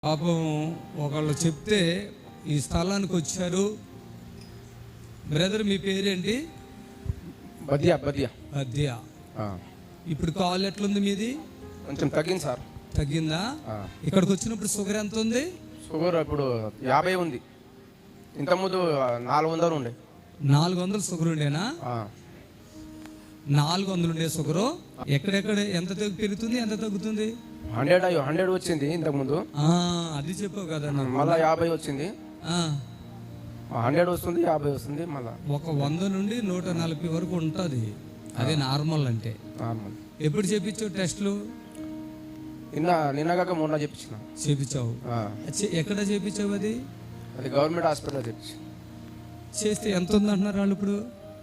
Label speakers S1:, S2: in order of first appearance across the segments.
S1: పాపం ఒకళ్ళు చెప్తే ఈ స్థలానికి వచ్చారు. బ్రదర్ మీ పేరేంటి?
S2: బద్యా బద్యా
S1: బద్యా. ఇప్పుడు కాల్ ఎట్లుంది మీది?
S2: కొంచెం తగ్గింది సార్.
S1: తగ్గిందా? ఇక్కడికి వచ్చినప్పుడు షుగర్ ఎంత ఉంది?
S2: షుగర్ ఇప్పుడు 50 ఉంది. ఇంతకుముందు 400 ఉండే.
S1: 400 షుగర్ ఉండేనా? 400 ఉండే షుగరు ఎక్కడెక్కడ ఎంత పెరుగుతుంది, ఎంత తగ్గుతుంది?
S2: 100 వచ్చింది ఇంతకుముందు.
S1: అది చెప్పావు కదా.
S2: మళ్ళీ 50 వచ్చింది. 100 వస్తుంది, 50 వస్తుంది. మళ్ళీ
S1: ఒక 100 నుండి 140 వరకు ఉంటుంది. అదే నార్మల్ అంటే.
S2: నార్మల్.
S1: ఎప్పుడు చేపించావు టెస్ట్లు?
S2: నిన్నగాక మొన్న
S1: చేపించావు. ఎక్కడ చేపించావు? అది
S2: గవర్నమెంట్ హాస్పిటల్ చేపించు.
S1: చేస్తే ఎంత ఉంది అంటున్నారు వాళ్ళు ఇప్పుడు?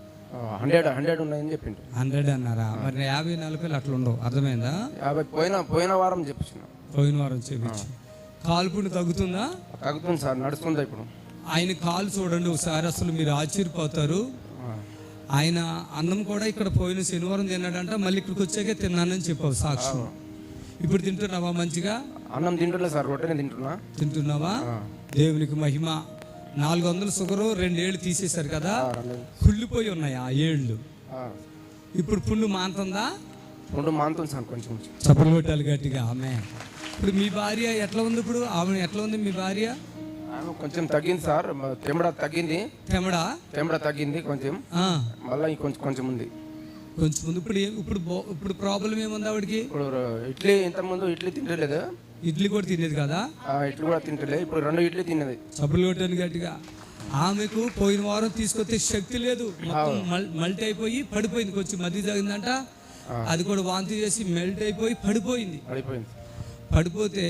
S2: 100 ఉన్నాయని చెప్పిండు.
S1: 100 అన్నారా? మరి 50-40 అట్లా ఉండవు. అర్థమైందా?
S2: 50 పోయిన వారం చెప్పించిన.
S1: పోయిన వారం చేపించి కాల్పుని తగ్గుతుందా?
S2: తగ్గుతుంది సార్, నడుస్తుందా ఇప్పుడు.
S1: ఆయన కాలు చూడండి ఒకసారి, అసలు మీరు ఆశ్చర్యపోతారు. ఆయన అన్నం కూడా ఇక్కడ పోయిన శనివారం తిన్నాడంట, మళ్ళీ ఇక్కడికి వచ్చాకే తిన్నానని చెప్పావు సాక్ష్యం. ఇప్పుడు తింటున్నావా మంచిగా?
S2: అన్నం తింటున్నా సార్, రొట్టెనే
S1: తింటున్నావా? దేవునికి మహిమ. 400 షుగరు 2 ఏళ్ళు తీసేశారు కదా, కుళ్ళిపోయి ఉన్నాయి ఆ ఏళ్ళు. ఇప్పుడు పుండు మాంతుందా?
S2: పుండు మాంతుంది సార్ కొంచెం.
S1: చప్పలు కొట్టాలి గట్టిగా. ఆమె ఇప్పుడు మీ భార్య ఎట్లా ఉంది? ఇప్పుడు ఆమె ఎట్లా ఉంది మీ భార్య?
S2: కొంచెం తగ్గింది సార్. తెమ్మడ తగ్గింది. తెమ్మడ తగ్గింది కొంచెం. మళ్ళీ కొంచెం ఉంది.
S1: కొంచెం ఉంది. ఇప్పుడు ప్రాబ్లం ఏముంది ఆవిడకి?
S2: ఇప్పుడు ఇడ్లీ, ఇంతకుముందు ఇడ్లీ తింటలేదు.
S1: ఇడ్లీ కూడా తినేది కదా?
S2: ఇడ్లీ కూడా తింటలేదు. ఇప్పుడు 2 ఇడ్లీ తిన్నది.
S1: చప్పులు కొట్టాను గట్టిగా. ఆమెకు పోయిన వారం తీసుకొస్తే శక్తి లేదు, మెల్ట్ అయిపోయి పడిపోయింది. కొంచెం మధ్య తగ్గిందంట, అది కూడా వాంతి చేసి మెల్ట్ అయిపోయి పడిపోయింది. పడిపోతే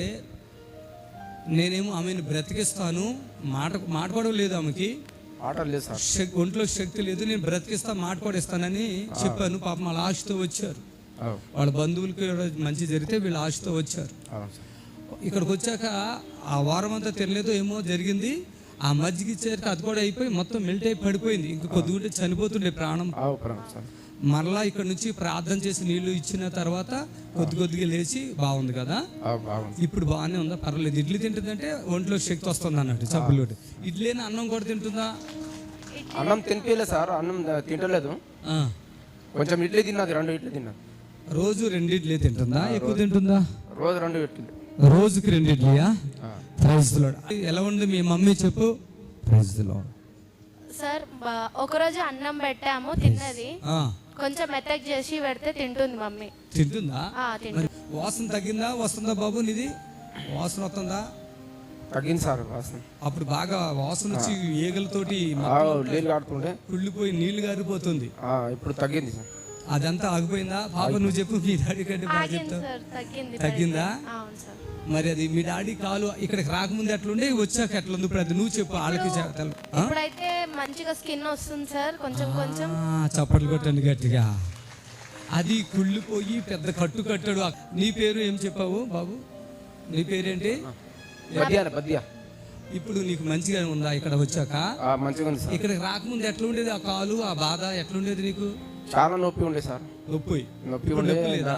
S1: నేనేమో ఆమెను బ్రతికిస్తాను, మాట కూడా లేదు ఆమెకి, ఒంట్లో శక్తి లేదు, నేను బ్రతికిస్తా, మాట కూడా ఇస్తానని చెప్పాను. పాపం వాళ్ళ ఆశతో వచ్చారు. వాళ్ళ బంధువులకి మంచి జరిగితే వీళ్ళ ఆశతో వచ్చారు. ఇక్కడికి వచ్చాక ఆ వారం అంతా తినలేదు, ఏమో జరిగింది. ఆ మజ్జిగ ఇచ్చేసరికి అది కూడా అయిపోయి మొత్తం మెల్ట్ అయి పడిపోయింది. ఇంకా కొద్దిగుంటే చనిపోతుండే ప్రాణం. మరలా ఇక్కడ నుంచి ప్రార్థన చేసి నీళ్లు ఇచ్చిన తర్వాత కొద్దిగా లేచి బాగుంది కదా. ఇప్పుడు బాగానే ఉందా? పర్వాలేదు. ఇడ్లీ తింటుందంటే ఒంట్లో శక్తి వస్తుంది అన్నట్టు. చప్పులు. ఇడ్లీని అన్నం కూడా తింటుందా?
S2: అన్నం తినిపించలేదు సార్, అన్నం తింటలేదు. కొంచెం ఇడ్లీ తిన్నది, 2 ఇడ్లీ తిన్నది.
S1: రోజు 2 ఇడ్లీ తింటుందా? ఎక్కువ తింటుందా?
S2: రోజు 2 ఇడ్లీ.
S1: రోజుకి 2 ఇడ్లీయా? Praise the lord. ఎలా ఉంది మీ మమ్మీ చెప్పు? Praise the lord.
S3: సార్ ఒకరోజు అన్నం పెట్టాము, తిన్నది. కొంచెం మెత్తగా చేసి పెడితే తింటుంది మమ్మీ.
S1: తింటుందా? వాసన తగ్గిందా? వస్తుందా బాబు నీది? వాసన వస్తుందా?
S2: తగ్గింది సార్ వాసన.
S1: అప్పుడు బాగా వాసన వచ్చి ఈగలతోటి
S2: నీళ్ళు కాడుతుండే
S1: కుళ్ళిపోయి నీళ్లు గారిపోతుంది.
S2: ఇప్పుడు తగ్గింది సార్.
S1: అదంతా ఆగిపోయిందా? పాప నువ్వు చెప్పు, మీ డాడీ కంటే బాగా చెప్తావు. తగ్గిందా? మరి అది మీ డాడీ కాలు ఇక్కడికి రాకముందు ఎట్లుండే, వచ్చాక ఎట్లుంది ఇప్పుడు? అది నువ్వు చెప్పు వాళ్ళకి.
S3: ఇప్పుడైతే మంచిగా స్కిన్ వస్తుంది సార్, కొంచెం.
S1: చప్పట్లు కొట్టండి గట్టిగా. అది కుళ్ళిపోయి పెద్ద కట్టు కట్టాడు. నీ పేరు ఏం చెప్పావు బాబు? నీ పేరేంటి?
S2: బద్యా.
S1: ఇప్పుడు నీకు మంచిగా ఉందా ఇక్కడ వచ్చాక?
S2: మంచిగా ఉంది సార్.
S1: ఇక్కడికి రాకముందు ఎట్లుండేది ఆ కాలు, ఆ బాధ ఎట్లుండేది నీకు?
S2: చాలా నొప్పి ఉండే సార్.
S1: నొప్పి
S2: ఉండే.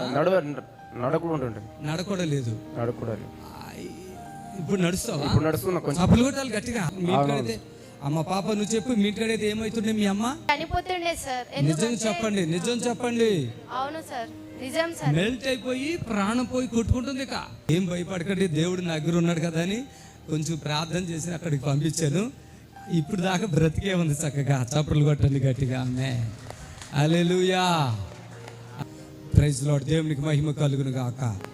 S2: నడకూడ లేదు.
S1: ఇప్పుడు నడుస్తావా?
S2: ఇప్పుడు నడుస్తున్నా. కొంచెం
S1: చప్పులు కొట్టాలి గట్టిగా. మీ ఇంటికైతే అమ్మ పాప నువ్వు చెప్పు, మీ ఇంటికైతే ఏమవుతుండే? మీ అమ్మ
S3: చనిపోతుండే సార్.
S1: నిజం చెప్పండి.
S3: అవును సార్, నిజం సార్.
S1: మెల్ట్ అయిపోయి ప్రాణం పోయి కొట్టుకుంటుంది. ఇక ఏం భయపడకండి, దేవుడు నా దగ్గర ఉన్నాడు కదా అని కొంచెం ప్రార్థన చేసి అక్కడికి పంపించాను. ఇప్పుడు దాకా బ్రతికే ఉంది చక్కగా. చప్పట్లు కొట్టండి గట్టిగా. ఆమె హల్లెలూయా. Praise lord. దేవునికి మహిమ కలుగును గాక.